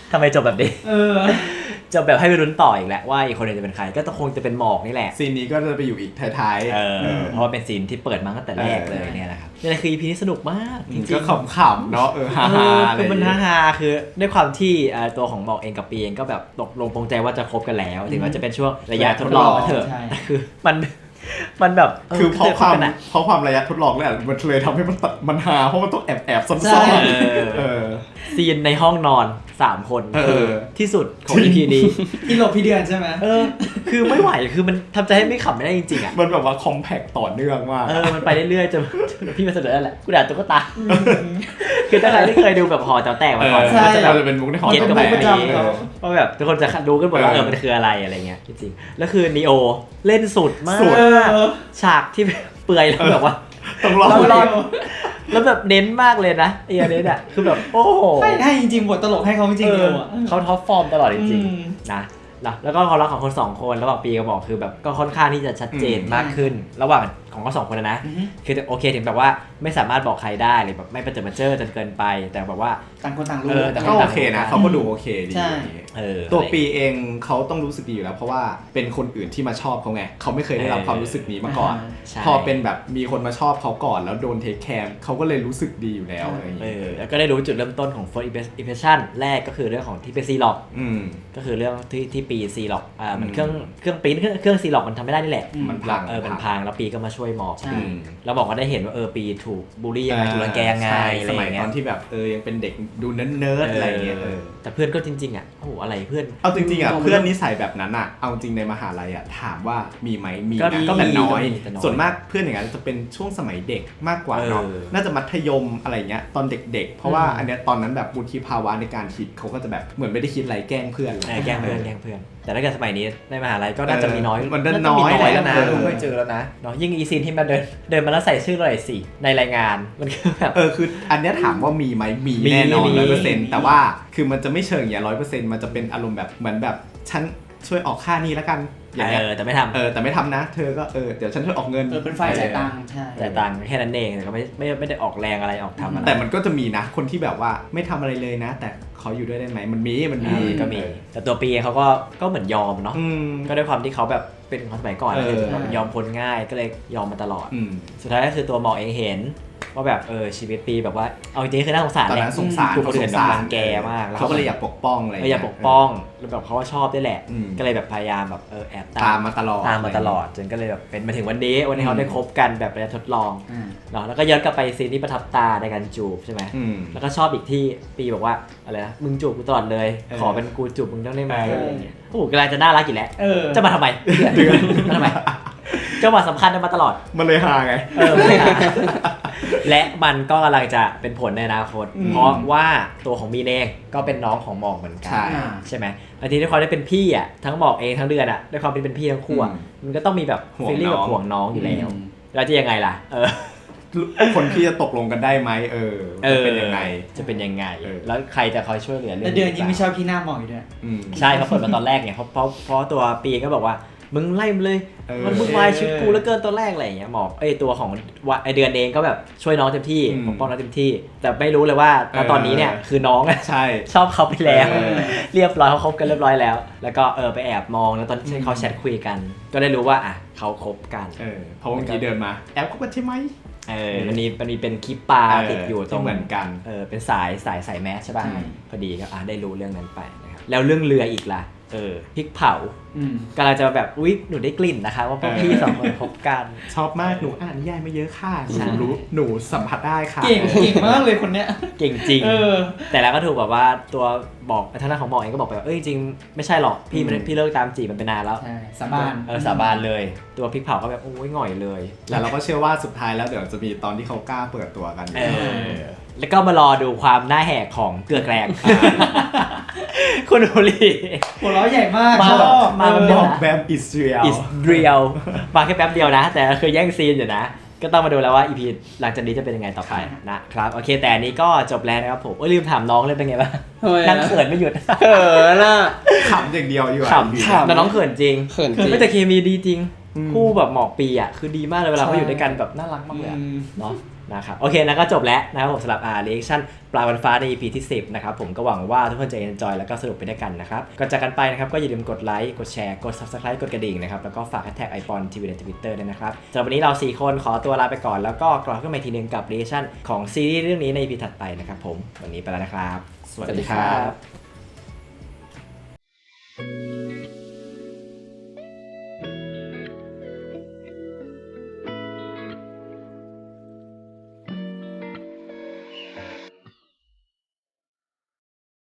ทำไมจบแบบนี้จบแบบให้ไปลุ้นต่ออีกแหละว่าอีกคนนึงจะเป็นใครก็คงจะเป็นหมอกนี่แหละซีนนี้ก็จะไปอยู่อีกท้ายๆเพราะว่าเป็นซีนที่เปิดมาตั้งแต่แรกเลยเนี่ยนะครับนี่คือ EP นี้สนุกมากจริงๆก็ขำๆเนาะฮาๆอะไรคือมันฮาๆคือด้วยความที่ตัวของหมอกเองกับปีเองก็แบบตกลงปรงใจว่าจะคบกันแล้วถึงว่าจะเป็นช่วงระยะทดลองก็เถอะคือมันแบบคือเพราะความระยะทดลองเนี่ยมันเลยทำให้มันฮาเพราะมันต้องแอบซ่อนๆซีนในห้องนอน3คนที่สุดของ EP นี้พี่หลบพี่เดือนใช่ไหมคือไม่ไหวคือมันทำใจให้ไม่ขำไม่ได้จริงๆอ่ะมันแบบว่าคอมแพคต่อเนื่องมากมันไปเรื่อยๆจนพี่มาเสนอแล้วแหละกูด่าตุ๊กตาคือถ้าใครที่เคยดูแบบหอแต๋วแตกมาก่อนจะเป็นมุกในหอแต๋วแตกเพราะแบบทุกคนจะรู้กันหมดว่ามันคืออะไรอะไรเงี้ยจริงๆแล้วคือนีโอเล่นสุดมากฉากที่เปื่อยแล้วแบบว่าต้องรอแล้วแบบเน้นมากเลยนะไอ้อันนี้เนี่ยคือแบบโอ้โหให้จริงๆบทตลกให้เขาจริงๆเขาท็อปฟอร์มตลอดจริงๆนะแล้วก็ความรักของคน2คนระหว่างปีกับหมอกคือแบบก็ค่อนข้างที่จะชัดเจนมากขึ้นระหว่างของเขา2คนนะคือโอเคถึงแบบว่าไม่สามารถบอกใครได้หรือแบบไม่ประเจิดประเจิดจนเกินไปแต่แบบว่าต่างคนต่างรู้ก็โอเคนะเขาก็ดูโอเคดีตัวปีเองเขาต้องรู้สึกดีอยู่แล้วเพราะว่าเป็นคนอื่นที่มาชอบเขาไงเขาไม่เคยได้รับความรู้สึกนี้มาก่อนพอเป็นแบบมีคนมาชอบเขาก่อนแล้วโดนเทคแคร์เขาก็เลยรู้สึกดีอยู่แล้วอะไรอย่างเงี้ยแล้วก็ได้รู้จุดเริ่มต้นของ first impression แรกก็คือเรื่องของที่เป็นซีล็อกก็คือเรื่องที่ปีซีล็อกมันเครื่องปริ้นเครื่องซีล็อกมันทำไม่ได้นี่แหละมันพังมันพังแล้วปีก็มาช่วยหมอกแล้วบอกว่าได้เห็นว่าปีถูกบูลลี่ยังไงถูกรังแกยังไงสมัยตอนที่แบบยังเป็นเด็กดูเนิร์ดอะไรเงี้ยแต่เพื่อนก็จริงๆอ่ะโอ้โหอะไรเพื่อนเอาจริงๆอ่ะเพื่อนนิสัยแบบนั้นอ่ะเอาจริงในมหาลัยอ่ะถามว่ามีไหมมีนะก็แต่น้อยส่วนมากเพื่อนอย่างนั้นจะเป็นช่วงสมัยเด็กมากกว่าเนาะน่าจะมัธยมอะไรเงี้ยตอนเด็กๆเพราะว่าอันเนี้ยตอนนั้นแบบวุฒิภาวะในการคิดเขาก็จะแบบเหมือนไม่ได้คิดอะไรแกล้งเพื่อนแกล้งเพื่อนแต่ถ้าเกิดสมัยนี้ในมหาลัยก็น่าจะมีน้อยมันน้อยแล้วนะไม่เจอแล้วนะเนาะยิ่งอีซีนที่มาเดินมาแล้วใส่ชื่อเราสิในรายงานมันคือแบบคืออันเนี้ยถามว่ามีไหมมีแน่นอน 100% แต่ว่าคือมันจะไม่เชิงอย่าง 100% มันจะเป็นอารมณ์แบบเหมือนแบบฉันช่วยออกค่านี้แล้วกันอย่างเงี้ยแต่ไม่ทำแต่ไม่ทำนะเธอก็เดี๋ยวฉันช่วยออกเงินเป็นฝ่ายจ่ายตังค์ใช่จ่ายตังค์แค่นั้นเองแต่ก็ไม่ได้ออกแรงอะไรออกทำอะไรแต่มันก็จะมีนะคนที่แบบว่าไม่ทำอะไรเลยนะแต่ขออยู่ด้วยได้ไหมมันมีก็มีแต่ตัวปีเขาก็เหมือนยอมเนาะก็ด้วยความที่เขาแบบเป็นคนสมัยก่อนมันยอมพ้นง่ายก็เลยยอมมาตลอดสุดท้ายก็คือตัวหมอเองเห็นว่าแบบชีวิตปีแบบว่าเอาจริงๆคือน่าสงสารแหละถูกคนอื่นรังแกมากเขาก็เลยอยากปกป้องอะไรอยากปกป้องแล้วแบบเขาก็ชอบด้วยแหละก็เลยแบบพยายามแบบแอบตามมาตลอดจนก็เลยแบบเป็นมาถึงวันนี้เขาได้คบกันแบบระยะทดลองเนาะแล้วก็ย้อนกลับไปซีนที่ประทับตาในการจูบใช่ไหมแล้วก็ชอบอีกที่ปีบอกว่าอะไรนะมึงจูบกูตลอดเลยขอเป็นกูจูบมึงต้องได้ไหมอะไรอย่างเงี้ยโอ้โหกำลังจะน่ารักอีกแล้วจะมาทำไมมาทำไมจังหวะสำคัญมาตลอดมันเลยฮาไงและมันก็กำลังจะเป็นผลในอนาคตเพราะว่าตัวของมีนเองก็เป็นน้องของหมอกเหมือนกันใช่ไหมบางทีด้วยความที่เป็นพี่อ่ะทั้งหมอกเองทั้งเดือนอ่ะด้วยความที่เป็นพี่ทั้งคู่มันก็ต้องมีแบบฟีลลิ่งแบบห่วงน้องอยู่แล้วแล้วจะยังไงล่ะคนที่จะตกลงกันได้ไหมจะเป็นยังไงแล้วใครจะคอยช่วยเหลือเรื่องเดือนยิ่งไม่ชอบพี่หน้าหมอกอยู่ด้วยใช่เขาเปิดมาตอนแรกไงเพราะตัวปีก็บอกว่ามึงไล่มันเลยมันวุ่นวายชีวิตกูแล้วเกินตอนแรกอะไรอย่างเงี้ยหมอกตัวของไอเดือนเองก็แบบช่วยน้องเต็มที่ปกป้องน้องเต็มที่แต่ไม่รู้เลยว่าตอนนี้เนี่ยคือน้องชอบเขาไปแล้วเรียบร้อยเขาคบกันเรียบร้อยแล้วแล้วก็ไปแอบมองแล้วตอนที่เขาแชทคุยกันก็ได้รู้ว่าเขาคบกันเพราะเมื่อกี้เดินมาแอบคบกันใช่ไหมมันมีเป็นคลิปปลาติดอยู่ตรงเหมือนกันเป็นสายแมสใช่ป่ะพอดีก็ได้รู้เรื่องนั้นไปนะครับแล้วเรื่องเรืออีกล่ะพริกเผากำลังจะแบบอุ๊ยหนูได้กลิ่นนะคะว่าพวกพี่สองคนคบกันชอบมากหนูอ่านนิยายมาเยอะค่ะหนูสัมผัสได้ค่ะเก่งมากเลยคนเนี้ยเก่งจริงแต่แล้วก็ถูกแบบว่าตัวบอกทางด้านของหมอเองก็บอกไปว่าจริงไม่ใช่หรอกพี่เลิกตามจีบมันไปนานแล้วสาบานสาบานเลยตัวพริกเผาก็แบบโอ้ยหง่อยเลยแล้วเราก็เชื่อว่าสุดท้ายแล้วเดี๋ยวจะมีตอนที่เขากล้าเปิดตัวกันแล้วก็มารอดูความหน้าแหกของเกลือแกลงคุณโอลีหัวเราะใหญ่มากมาแบบอิสเรียลมาแค่แป๊บเดียวนะแต่คือแย่งซีนอยู่นะก็ต้องมาดูแล้วว่า EP หลังจากนี้จะเป็นยังไงต่อไปนะครับโอเคแต่อันนี้ก็จบแล้วนะครับผมลืมถามน้องเลยเป็นไงบ้างนั่งเขินไม่หยุดน่ะขำอย่างเดียวอยู่ขำแต่น้องเขินจริงไม่แต่เคมีดีจริงคู่แบบหมอกปีอ่ะคือดีมากเลยเวลาเขาอยู่ด้วยกันแบบน่ารักมากเลยเนาะนะครับโอเคนะก็จบแล้วนะครับผมสำหรับreaction ปลาวันฟ้าใน EP ที่ 10นะครับผมก็หวังว่าทุกคนจะ enjoy แล้วก็สนุกไปด้วยกันนะครับก่อนจากกันไปนะครับก็อย่าลืมกดไลค์กดแชร์กด subscribe กดกระดิ่งนะครับแล้วก็ฝาก hashtag #iPonTV ใน Twitter ด้วยนะครับสำหรับวันนี้เรา4คนขอตัวลาไปก่อนแล้วก็กลับขึ้นมาอีกทีนึงกับ reaction ของซีรีส์เรื่องนี้ใน EP ถัดไปนะครับผมวันนี้ไปแล้วนะครับสวัสดีครับ